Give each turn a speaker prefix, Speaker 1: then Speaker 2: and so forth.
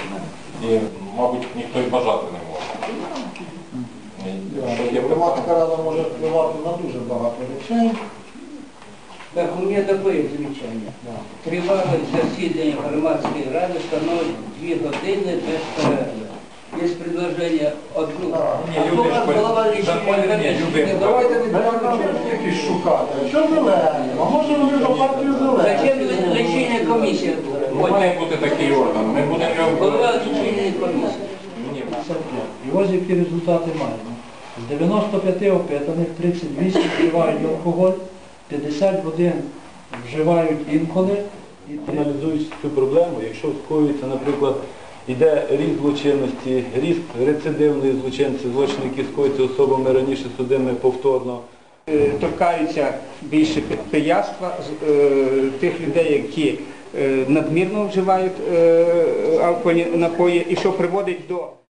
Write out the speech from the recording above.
Speaker 1: І, мабуть, ніхто і бажати не може.
Speaker 2: Громадська рада може впливати на дуже багато речей.
Speaker 3: Так, у меня такое замечание. Тривалость засідання громадської ради становить 2 години без перерви. Є предложення одну.
Speaker 2: Давайте відправимо якісь шукати. Що зелені? А може вони до партії зелені?
Speaker 3: Зачем лічильна комісія?
Speaker 1: Має бути такий орган. Ми будемо його...
Speaker 3: Голова лічильної комісії.
Speaker 4: І ось які результати маємо. З 95 опитаних 38 вживають алкоголь, 51 вживають інколи.
Speaker 5: Аналізуючи цю проблему, якщо скоюється, наприклад, йде ріст злочинності, ріст рецидивної злочинності, злочини, які скоюються особами раніше судимими повторно.
Speaker 6: Торкаються більше пияцтва, тих людей, які надмірно вживають алкогольні напої, і що приводить до